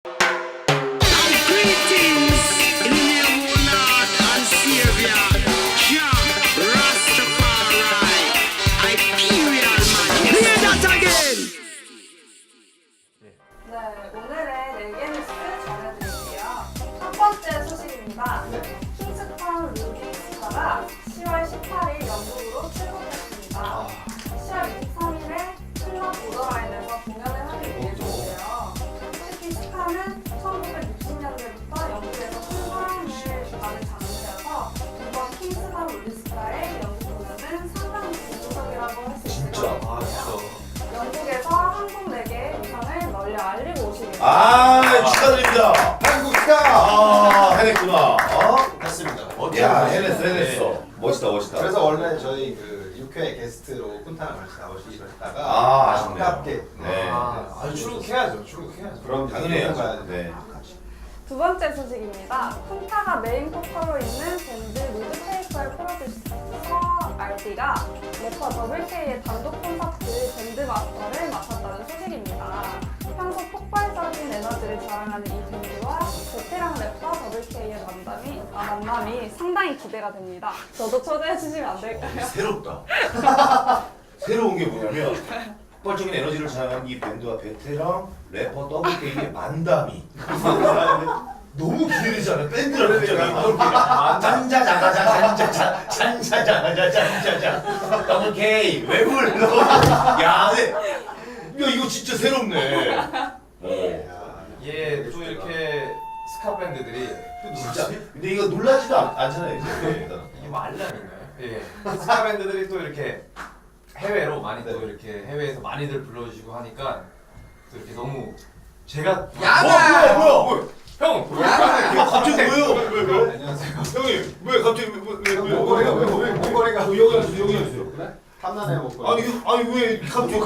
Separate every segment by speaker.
Speaker 1: 네, 오늘의 레게 뉴스 전해드릴게요. 첫 번째 소식입니다. 킹스턴 루디스타가 10월 18일 영국으로 출국했습니다. 10월 23일에 클럽 보더라인에서 공연을 하기 위해서인데요. 특히 스카는 1960년대부터 영국에서 큰 사랑을 받은 장르여서 이번 킹스턴 루디스타의 영국 공연은 상당히 고무적이라고 할 수 있을 것 같아요. 영국에서 한국 레게 음악을 널리 알리고 오시겠습니다.
Speaker 2: 축하드립니다.
Speaker 3: 한국 스타!
Speaker 2: 해냈구나.
Speaker 3: 했습니다.
Speaker 2: 야, 해냈어. 멋있다.
Speaker 3: 그래서 원래 저희 그 6회 게스트로 쿤타랑 같이 나오시기로 했다가
Speaker 2: 아쉽네요.
Speaker 3: 아깝게
Speaker 4: 출국해야죠.
Speaker 2: 그럼 당연해요.
Speaker 3: 가야
Speaker 2: 네.
Speaker 1: 두 번째 소식입니다. 쿤타가 메인 보컬로 있는 밴드 루드페이커의 프로듀서 RD가 래퍼 WK의 단독 콘서트 밴드 마스터를 맡았다는 소식입니다. 평소 폭발적인 에너지를 자랑하는 이 밴드와 베테랑 래퍼 WK의 만남이 상당히 기대가 됩니다. 저도 초대해 주시면 안 될까요?
Speaker 2: 새롭다. 새로운 게 뭐냐면 폭발적인 에너지를 자랑하는 이 밴드와 베테랑 래퍼 WK의 만담이 너무 기대되지 않아요? 밴드라는 잔자자자잔자자 WK 왜 불러? 야, 이거 진짜 새롭네.
Speaker 4: 예, 또 이렇게 스카 밴드들이
Speaker 2: 진짜. 근데 이거 놀라지도 않잖아요. 이제.
Speaker 4: 이게 뭐 알람인가요? 예, 스카 밴드들이 또 이렇게 해외로 많이 또 이렇게 해외에서 많이들 불러주시고 하니까 또 이렇게 너무 제가
Speaker 2: 뭐야?
Speaker 4: 형!
Speaker 2: 갑자기 뭐예요? 왜?
Speaker 3: 안녕하세요.
Speaker 2: 형님 왜 갑자기 왜?
Speaker 3: 목걸이가
Speaker 2: 여기 앉으세요.
Speaker 3: 그래? 탐나네 목걸이.
Speaker 2: 아니 왜 갑자기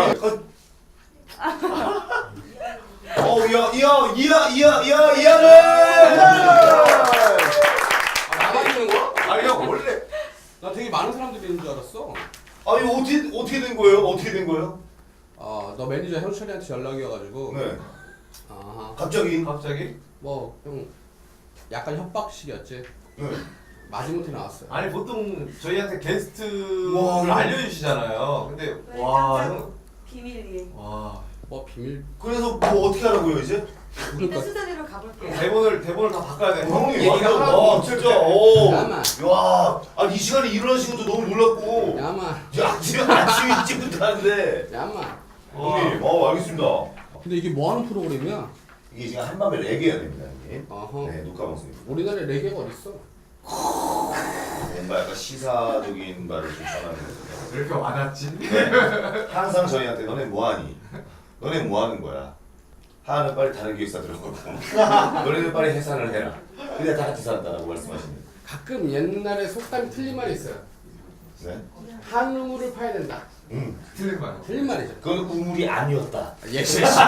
Speaker 5: 나만 있는 거야?
Speaker 4: 아니 형 원래
Speaker 5: 나 되게 많은 사람들이 있는 줄 알았어.
Speaker 2: 아니 어떻게 된 거예요?
Speaker 5: 너 매니저 형철이한테 연락이 와가지고.
Speaker 2: 네.
Speaker 5: 아하.
Speaker 2: 갑자기.
Speaker 5: 뭐 형 약간 협박식이었지.
Speaker 2: 네.
Speaker 5: 마지못해 나왔어요.
Speaker 4: 아니 보통 저희한테 게스트를
Speaker 2: 와,
Speaker 4: 알려주시잖아요. 근데 와 형.
Speaker 1: 비밀이에요.
Speaker 4: 와.
Speaker 5: 뭐 비밀.
Speaker 2: 그래서 뭐 어떻게 하라고요 이제?
Speaker 5: 그러니까
Speaker 1: 수제대로 가볼게요.
Speaker 4: 대본을 다 바꿔야 돼.
Speaker 2: 형님
Speaker 4: 얘기가
Speaker 2: 완전
Speaker 4: 하나도
Speaker 2: 와
Speaker 4: 없을
Speaker 2: 진짜
Speaker 4: 때.
Speaker 5: 야마.
Speaker 2: 야, 아니 이 시간에 일어나신 것도 너무 놀랐고.
Speaker 5: 야마.
Speaker 2: 야, 아침 일찍부터 하는데.
Speaker 5: 야마.
Speaker 2: 형님, 알겠습니다.
Speaker 5: 근데 이게 뭐 하는 프로그램이야?
Speaker 2: 이게 지금 한밤에 레게 해야 됩니다, 형님.
Speaker 5: 어허.
Speaker 2: 네, 녹화 방송입니다.
Speaker 5: 우리나라에 레게가 어딨어?
Speaker 2: 뭔가 약간 시사적인 말을 좀 전하는 거거든요.
Speaker 4: 왜 이렇게 와닿지?
Speaker 2: 네. 항상 저희한테 너네 뭐하니? 너네 뭐하는 거야? 하나는 빨리 다른 기획사 들어가고 너네는 빨리 해산을 해라. 그래야 다 같이 산다라고 말씀하시는.
Speaker 5: 가끔 옛날에 속담이 틀린 말이 있어요.
Speaker 2: 네.
Speaker 5: 한 우물을 파야 된다.
Speaker 4: 틀린 말.
Speaker 5: 틀린 말이죠.
Speaker 2: 그건 우물이 아니었다.
Speaker 5: 예시. 야.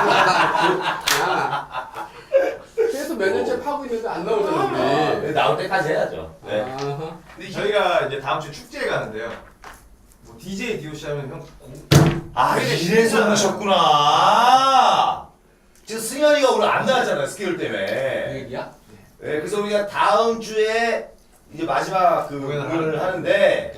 Speaker 5: 그래서 몇 년째 파고 있는데 안 나오잖아. 우리.
Speaker 2: 나올 때까지 해야죠. 네.
Speaker 5: 아하.
Speaker 4: 근데 저희가 이제 다음 주 축제에 가는데요. 뭐 DJ DOC 하면 형
Speaker 2: 아, 이래서 오셨구나. 지금 승현이가 오늘 안 나왔잖아요, 스케줄
Speaker 5: 그
Speaker 2: 때문에.
Speaker 5: 얘기야?
Speaker 2: 네, 그래서 우리가 다음 주에 이제 마지막 그 공연을 하는데,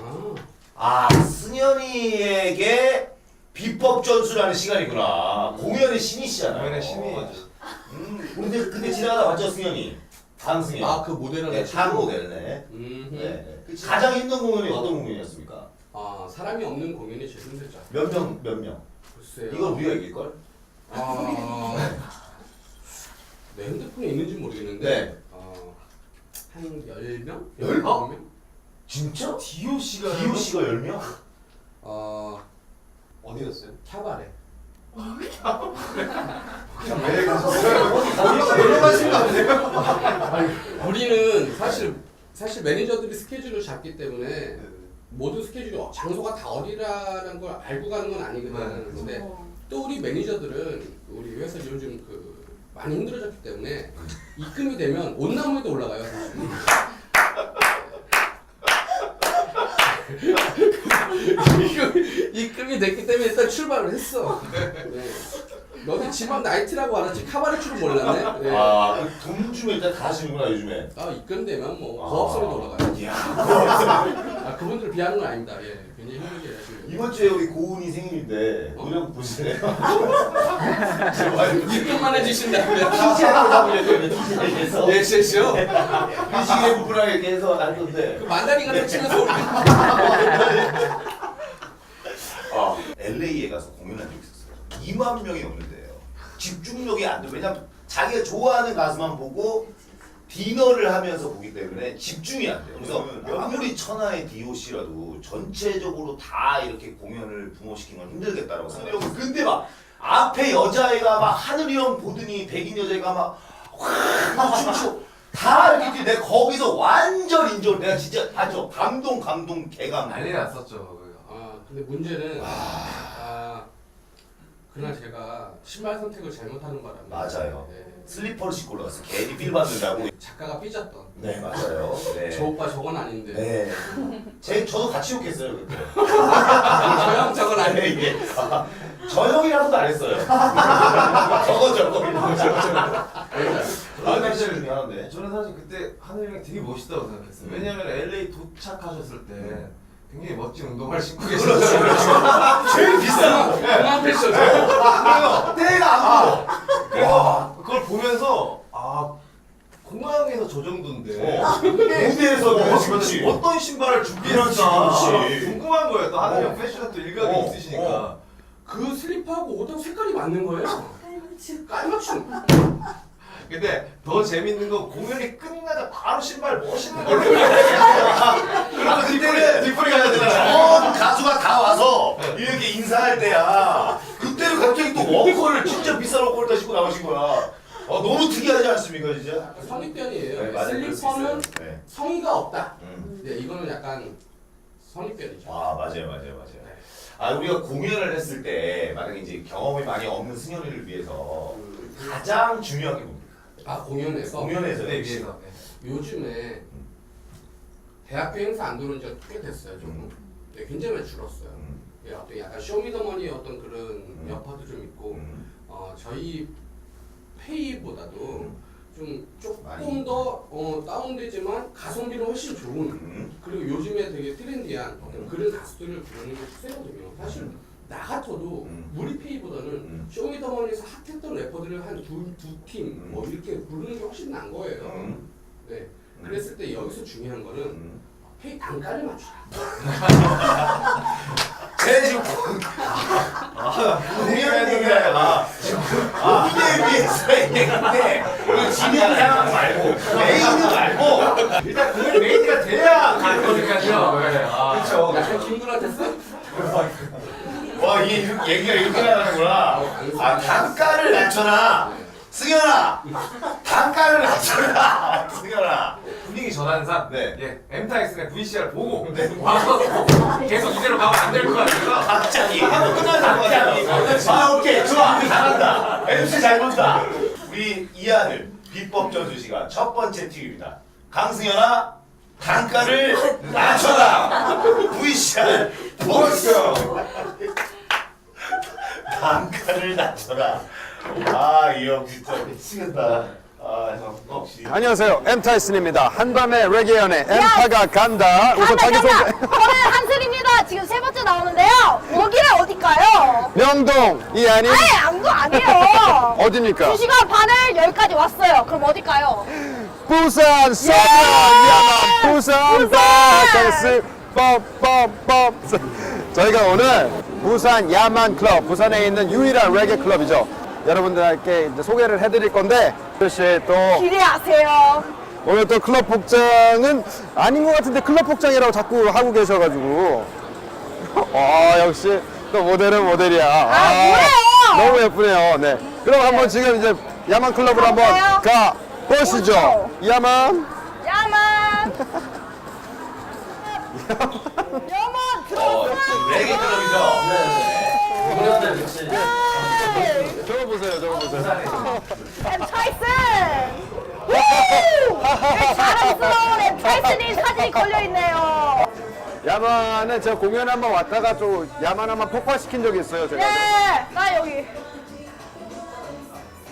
Speaker 2: 승현이에게 비법 전수라는 시간이구나. 공연의 신이시잖아요.
Speaker 4: 공연의 신이
Speaker 2: 근데 지나가다 봤죠, 승현이? 강승현.
Speaker 5: 그 모델을
Speaker 2: 네, 단 모델네. 네. 가장 힘든 공연이 어떤 공연이었습니까?
Speaker 5: 사람이 없는 공연이 제일 힘들죠.
Speaker 2: 몇 명?
Speaker 5: 글쎄요.
Speaker 2: 이걸 우리가 이길걸?
Speaker 5: 내 핸드폰에 있는지 모르겠는데
Speaker 2: 네.
Speaker 5: 한 10명?
Speaker 2: 10명? 진짜?
Speaker 4: DOC가
Speaker 2: 10명?
Speaker 4: 어디였어요?
Speaker 5: 캬바레.
Speaker 4: 왜
Speaker 3: 놀러 가신 거 아니에요?
Speaker 5: 우리는 사실 매니저들이 스케줄을 잡기 때문에 모든 스케줄이 장소가 다 어디라는 걸 알고 가는 건 아니거든. 근데 또 우리 매니저들은 우리 회사 요즘 많이 힘들어졌기 때문에 입금이 되면 온나무에도 올라가요. 사실. 입금이 됐기 때문에 일단 출발을 했어. 네. 너네 집안 나이트라고 알았지 카바레 줄은 몰랐네. 네.
Speaker 2: 아돈 주면 일단 다 하시는구나 요즘에.
Speaker 5: 입금되면 뭐 고압선이 돌아가요.
Speaker 2: 이야.
Speaker 5: 그분들 비하는 건 아닙니다. 예, 굉장히 힘들게 하시는.
Speaker 2: 이번 주에 우리 고은이 생일인데 노래 한번 보실래요?
Speaker 5: 입금만 해주신다고요?
Speaker 2: PJ라고 잡으려고 PJ에서
Speaker 5: 예, 실시요.
Speaker 2: 뮤직의 부부랑 이렇게 해서 할 건데
Speaker 5: 그 만다린 같은 치면서 우리.
Speaker 2: LA에 가서 공연한 적이 있었어요. 2만 명이 넘는데요. 집중력이 안 돼. 왜냐면 자기가 좋아하는 가수만 보고 디너를 하면서 보기 때문에 집중이 안 돼요. 그래서 아무리 천하의 DOC라도 전체적으로 다 이렇게 공연을 붕어시키는 건 힘들겠다라고 생각하고 근데 막 앞에 여자애가 막 하늘이 형 보더니 백인 여자애가 막 춤추고 다 이렇게 내가 거기서 완전 인정. 내가 진짜 아주 감동 개감.
Speaker 4: 난리 났었죠.
Speaker 5: 근데 문제는 그날 제가 신발 선택을 잘못하는 바람에
Speaker 2: 맞아요.
Speaker 5: 네.
Speaker 2: 슬리퍼를 신고 올라갔어. 괜히 필 받는다고.
Speaker 5: 작가가 삐졌던.
Speaker 2: 네 맞아요. 네.
Speaker 5: 저 오빠 저건 아닌데.
Speaker 2: 네. 저도 같이 욕했어요 그때.
Speaker 5: 저 형 저건
Speaker 2: 아니
Speaker 5: 아닌데.
Speaker 2: 이게 저 형이라고도 안 했어요. 저거. 사실 중요한데.
Speaker 4: 저는 사실 그때 하늘 형이 되게 멋있다고 생각했어요. 왜냐면 LA 도착하셨을 때 굉장히 멋진 운동화를 신고 계셨어요.
Speaker 2: 제일 비싼 거.
Speaker 5: 공항 패션.
Speaker 2: 그래요. 때가 안 보여.
Speaker 4: 그래서 그걸 보면서 공항에서 저 정도인데
Speaker 2: 무대에서 그렇지.
Speaker 4: 어떤 신발을 준비했나
Speaker 2: 그렇지.
Speaker 4: 궁금한 거예요. 또 하늘 형 패션에 또 일각이 있으시니까.
Speaker 5: 그 슬리퍼하고 옷하고 색깔이 맞는 거예요. 깔맞춤.
Speaker 4: 근데 더 재밌는 건 공연이 끝나자 바로 신발 멋있는 걸로
Speaker 2: 그리고 그때는
Speaker 4: 뒷풀이 가야 되잖아요.
Speaker 2: 전 가수가 다 와서 이렇게 인사할 때야. 그때는 갑자기 또 워커를 진짜 비싼 워커를 다 신고 나오신 거야. 너무 특이하지 않습니까 진짜?
Speaker 5: 선입견이에요.
Speaker 2: 네, 맞아요. 그럴 수
Speaker 5: 슬리퍼는
Speaker 2: 있어요. 네.
Speaker 5: 성의가 없다. 네, 이거는 약간 선입견이죠.
Speaker 2: 맞아요. 우리가 공연을 했을 때 만약에 이제 경험이 많이 없는 승현이를 위해서 가장 중요한 게 뭡니까?
Speaker 5: 공연에서
Speaker 4: 네, 위에서.
Speaker 5: 요즘에 대학교 행사 안 들어온 지가 꽤 됐어요. 좀 네, 굉장히 많이 줄었어요. 예, 어떤 약간 쇼미더머니의 어떤 그런 여파도 좀 있고 저희 페이보다도 좀 조금
Speaker 2: 많이.
Speaker 5: 더 다운되지만 가성비는 훨씬 좋은 그리고 요즘에 되게 트렌디한 어떤 그런 가수들을 부르는 게 추세거든요. 사실 나 같아도 우리 페이보다는 쇼미더머니에서 핫했던 래퍼들을 한 두 팀 뭐 이렇게 부르는 게 훨씬 나은 거예요. 네. 그랬을 때 여기서 중요한 거는 페이 단가를 맞추라.
Speaker 2: 쟤 지금 공연 얘기야. 무대 위에서 얘기인데 진행 상황 말고 메인은 말고
Speaker 4: 일단 공연 메이드가 돼야 가는 거니까요.
Speaker 2: 그렇죠.
Speaker 5: 약간 김구라 됐어?
Speaker 2: 와 이게 얘기가 이렇게 나가는구나. 단가를 낮춰라. 승현아 단가를 낮춰라. 승현아
Speaker 4: 분위기 전환상
Speaker 2: 네.
Speaker 4: 엠타이슨의 VCR 보고 와서 계속 이대로 가면 안 될 것 같아서
Speaker 2: 갑자기 한번 끝나는 거 같아. 오케이 좋아 잘한다. MC 잘 본다. 우리 이하늘 비법 전수 시간 첫 번째 팁입니다. 강승현아 단가를 낮춰라. VCR 보고 단가를 낮춰라. 이 형 진짜 미치겠다. 역시.
Speaker 6: 안녕하세요. 엠타이슨입니다. 한밤의 레게 연애 엠타가 간다. 우선 자기소개.
Speaker 7: 저는 한슬입니다. 지금 세 번째 나오는데요. 여기는 어딜까요?
Speaker 6: 명동이 아닌
Speaker 7: 안도 아니에요.
Speaker 6: 어디입니까?
Speaker 7: 2시간 반을 여기까지 왔어요. 그럼 어딜까요?
Speaker 6: 부산 서면 야만 부산 바카스 뻔뻔뻔. 저희가 오늘 부산 야만 클럽, 부산에 있는 유일한 레게 클럽이죠. 여러분들께 이제 소개를 해드릴 건데 사실 또
Speaker 7: 기대하세요.
Speaker 6: 오늘 또 클럽 복장은 아닌 것 같은데 클럽 복장이라고 자꾸 하고 계셔가지고 역시 또 모델은 모델이야.
Speaker 7: 뭐예요?
Speaker 6: 너무 예쁘네요. 네. 그럼 한번 지금 이제 야만 클럽으로 한번 가 보시죠. 야만.
Speaker 7: 야만 들어왔어.
Speaker 2: 레게 클럽이죠.
Speaker 6: 저거 보세요. 저거 보세요.
Speaker 7: 엠타이슨. 자랑스러운 엠타이슨이 사진이 걸려 있네요.
Speaker 6: 야만은 제가 공연 한번 왔다가 좀 야만 한번 폭파시킨 적이 있어요. 제가.
Speaker 7: 네, 나 여기.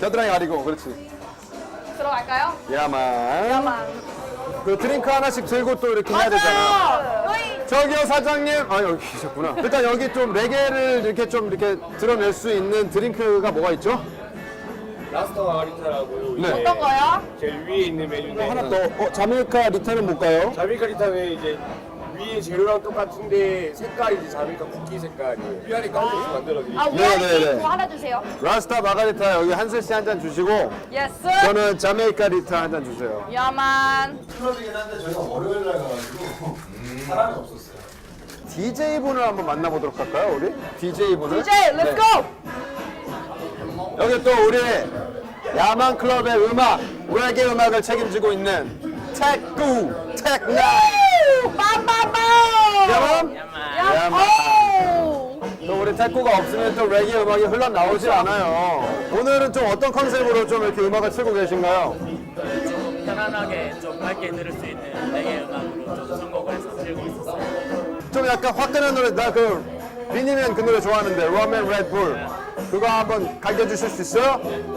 Speaker 6: 겨드랑이 가리고 그렇지.
Speaker 7: 들어갈까요?
Speaker 6: 야만.
Speaker 7: 야만.
Speaker 6: 그 드링크 하나씩 들고 또 이렇게 해야 되잖아.
Speaker 7: 맞아요. 여기
Speaker 6: 저기요 사장님. 아 여기 계셨구나. 일단 여기 좀 레게를 이렇게 좀 이렇게 드러낼 수 있는 드링크가 뭐가 있죠?
Speaker 8: 라스터 마가리타라고요.
Speaker 6: 네.
Speaker 7: 어떤 거요?
Speaker 8: 제일 위에 있는 메뉴인데
Speaker 6: 하나 더. 자메이카 리타는 뭘까요?
Speaker 8: 자메이카 리타는 이제 위에 재료랑 똑같은데 색깔이 이제 자메이카 쿠키 색깔이에요. 위아래 깔려서 만들어드릴게요.
Speaker 7: 아,
Speaker 6: 네네네.
Speaker 7: 위아래 뭐 하나 주세요.
Speaker 6: 라스타 마가리타 여기 한슬 씨 한 잔 주시고
Speaker 7: 예스.
Speaker 6: 저는 자메이카 리타 한 잔 주세요.
Speaker 7: 야만.
Speaker 3: 클럽이긴 한데 저희가 월요일 날 가가지고 사람이 없었어요.
Speaker 6: DJ 분을 한번 만나보도록 할까요, 우리? DJ 분을.
Speaker 7: DJ, 렛츠 고!
Speaker 6: 여기 또 우리 야만 클럽의 음악, 레게 음악을 책임지고 있는 테쿠, 테크나인.
Speaker 7: 빰빰빰!
Speaker 6: 야만? 야만.
Speaker 7: 오!
Speaker 6: 또 우리 테쿠가 없으면 또 레게 음악이 흘러나오질 않아요. 오늘은 좀 어떤 컨셉으로 좀 이렇게 음악을 틀고 계신가요?
Speaker 9: 편안하게 좀 밝게 들을 수 있는 레게 음악으로 좀 선곡을 해서 들고 있었어요.
Speaker 6: 좀 약간 화끈한 노래, 나 그 비니맨 그 노래 좋아하는데, 럼앤 레드불. 그거 한번 가르쳐 주실 수 있어요?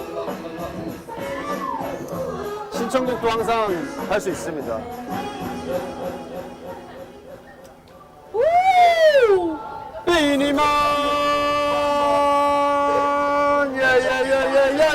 Speaker 6: 신청곡도 항상 할 수 있습니다.
Speaker 7: 우!
Speaker 6: 비니만! 예예예예예!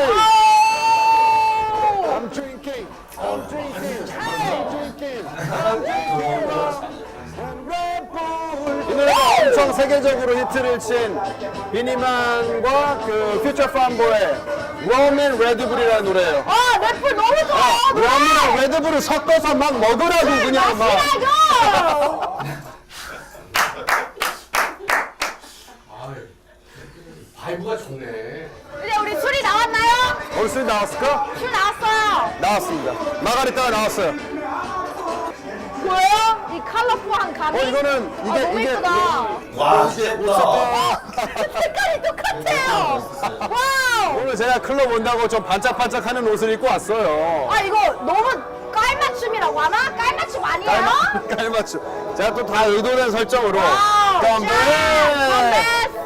Speaker 6: I'm drinking, I'm drinking, I'm drinking, I'm drinking and Red Bull. 이 노래가 엄청 세계적으로 히트를 친 비니만과 그 퓨처 팜보의 럼앤 레드불이라는 노래예요.
Speaker 7: 아, 랩풀 너무 좋아! 노래!
Speaker 6: 럼이랑 레드불을 섞어서 막 먹으라고 그냥 막.
Speaker 7: 마시라고!
Speaker 5: 바이브가 좋네.
Speaker 7: 이제 우리 술이 나왔나요?
Speaker 6: 오늘 술 나왔을까?
Speaker 7: 술 나왔어요.
Speaker 6: 나왔습니다. 마가리타가 나왔어요.
Speaker 7: 뭐예요? 이 컬러풀한 감이?
Speaker 6: 이거는
Speaker 7: 아, 너무 이쁘다.
Speaker 2: 와 진짜 예쁘다.
Speaker 7: 색깔이 똑같아요. 와우.
Speaker 6: 오늘 제가 클럽 온다고 좀 반짝반짝하는 옷을 입고 왔어요.
Speaker 7: 아, 이거 너무 깔맞춤이라고 하나? 깔맞춤 아니에요?
Speaker 6: 깔맞춤. 제가 또 다 의도된 설정으로.
Speaker 7: 와우.
Speaker 6: 건배!
Speaker 7: 자, 건배!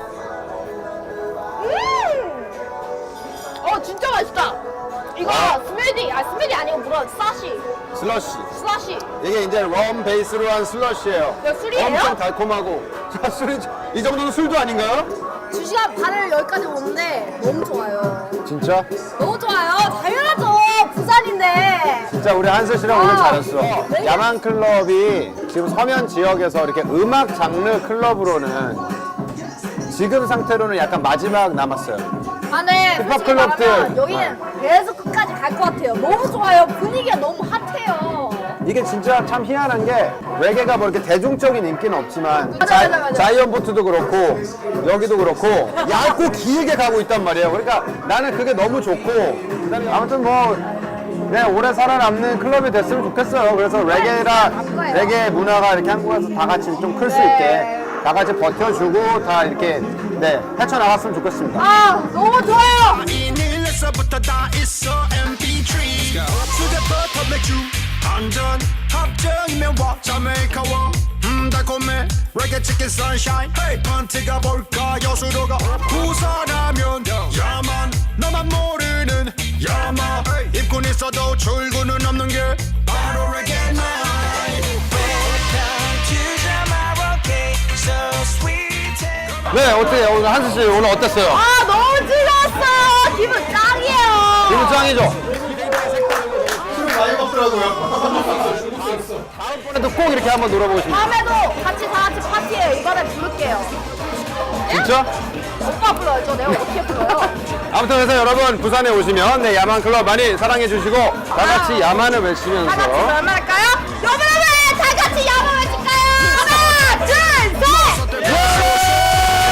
Speaker 7: 진짜 맛있다. 이거 스무디, 스무디 아니고 뭐라,
Speaker 6: 슬러시.
Speaker 7: 슬러시.
Speaker 6: 이게 이제 럼 베이스로 한 슬러시예요.
Speaker 7: 이거 술이에요?
Speaker 6: 엄청 달콤하고. 자, 술이 이 정도는 술도 아닌가요?
Speaker 7: 2시간 반을 여기까지 오는데 너무 좋아요.
Speaker 6: 진짜?
Speaker 7: 너무 좋아요. 당연하죠. 부산인데.
Speaker 6: 진짜 우리 한슬 씨랑 오늘 잘했어.
Speaker 7: 네.
Speaker 6: 야만 클럽이 지금 서면 지역에서 이렇게 음악 장르 클럽으로는 지금 상태로는 약간 마지막 남았어요.
Speaker 7: 아, 네.
Speaker 6: 힙합
Speaker 7: 솔직히
Speaker 6: 클럽들.
Speaker 7: 말하면 여기는 계속 끝까지 갈 것 같아요. 너무 좋아요. 분위기가 너무 핫해요.
Speaker 6: 이게 진짜 참 희한한 게 레게가 뭐 이렇게 대중적인 인기는 없지만
Speaker 7: 맞아.
Speaker 6: 자이언보트도 그렇고 여기도 그렇고 얇고 길게 가고 있단 말이에요. 그러니까 나는 그게 너무 좋고 아무튼 뭐 그냥 오래 살아남는 클럽이 됐으면 좋겠어요. 그래서 레게 문화가 이렇게 한국에서 다 같이 좀 클 수 있게 다 같이 버텨주고 다 이렇게 헤쳐나갔으면 좋겠습니다.
Speaker 7: 아, 너무 좋아요.
Speaker 10: 이닐에서부터 다 있어 MP3 수제버터 맥주 한잔 합정이면 와 자메이카와 달콤해 레게 치킨 선샤인 펀트가 볼까 여수로가 부산하면 야만 너만 모르는 야마 입군 있어도 출근은 없는 게 바로 레게 나이
Speaker 6: 네, 어때요? 오늘 한수 씨 오늘 어땠어요?
Speaker 7: 아, 너무 즐거웠어요. 기분 짱이에요.
Speaker 6: 기분 짱이죠?
Speaker 3: 술을 많이 먹더라고요.
Speaker 6: 다음번에도 꼭 이렇게 한번 놀아보고 싶습니다.
Speaker 7: 다음에도 같이 다 같이 파티해요. 이번에 부를게요.
Speaker 6: 진짜?
Speaker 7: 오빠 불러야죠. 내가 어떻게 불러요?
Speaker 6: 아무튼 그래서 여러분 부산에 오시면 야만 클럽 많이 사랑해 주시고 다 같이 야만을 외치면서
Speaker 7: 다 같이 얼마 할까요? 여러분, 다 같이 야만 외칠까요? 하나, 둘, 셋!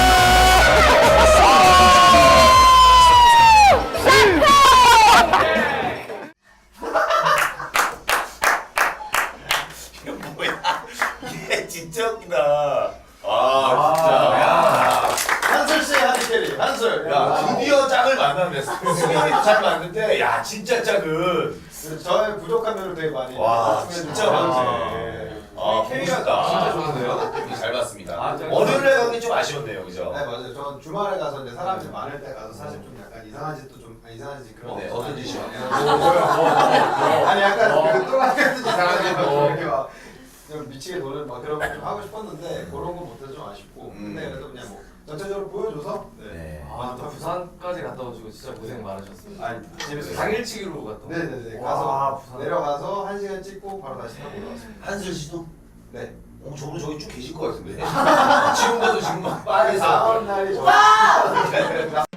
Speaker 2: 이거 뭐야? 얘 진짜 웃기다. 아 진짜. 야.
Speaker 3: 한솔 씨의 하디캐리. 한솔.
Speaker 2: 야 드디어 짝을 만났네. 수경이도 잘 맞는데 야 진짜 짝은.
Speaker 3: 저의 부족한 면을 되게 많이.
Speaker 2: 와
Speaker 3: 말씀해
Speaker 2: 진짜
Speaker 3: 주셔서.
Speaker 2: 많네. 아
Speaker 3: K가
Speaker 2: 멋있다.
Speaker 4: 진짜 좋은데요?
Speaker 2: 잘 봤습니다.
Speaker 4: 아, 짱이다.
Speaker 2: 월요일에 가기 좀 아쉬웠네요, 그죠?
Speaker 3: 네 맞아요. 전 주말에 가서 이제 사람들이 많을 때 가서 사실 좀 약간 이상한 짓도 좀 이상한 짓 그런
Speaker 2: 네,
Speaker 3: 거
Speaker 2: 어떤 짓이요?
Speaker 3: 아니 약간 그 또라이같은 이상한 짓 이렇게 막 좀 미치게 노는 막 그런 거 좀 하고 싶었는데 그런 거 못해서 좀 아쉽고 근데 그래도 그냥 뭐 전체적으로 보여줘서
Speaker 2: 네.
Speaker 4: 아, 또 부산까지 갔다 오시고 진짜 고생 많으셨어요.
Speaker 3: 아니
Speaker 4: 집에서 당일치기로 갔다 오고.
Speaker 3: 네네네
Speaker 4: 와,
Speaker 3: 가서
Speaker 4: 부산.
Speaker 3: 내려가서 1시간 찍고 바로 다시 타고 올라왔습니다.
Speaker 2: 한슬 씨도?
Speaker 3: 네.
Speaker 2: 저분은 저기 쭉 계실 것 같은데. 지금 봐도 지금 막 빠져서.
Speaker 3: 다음 날이 저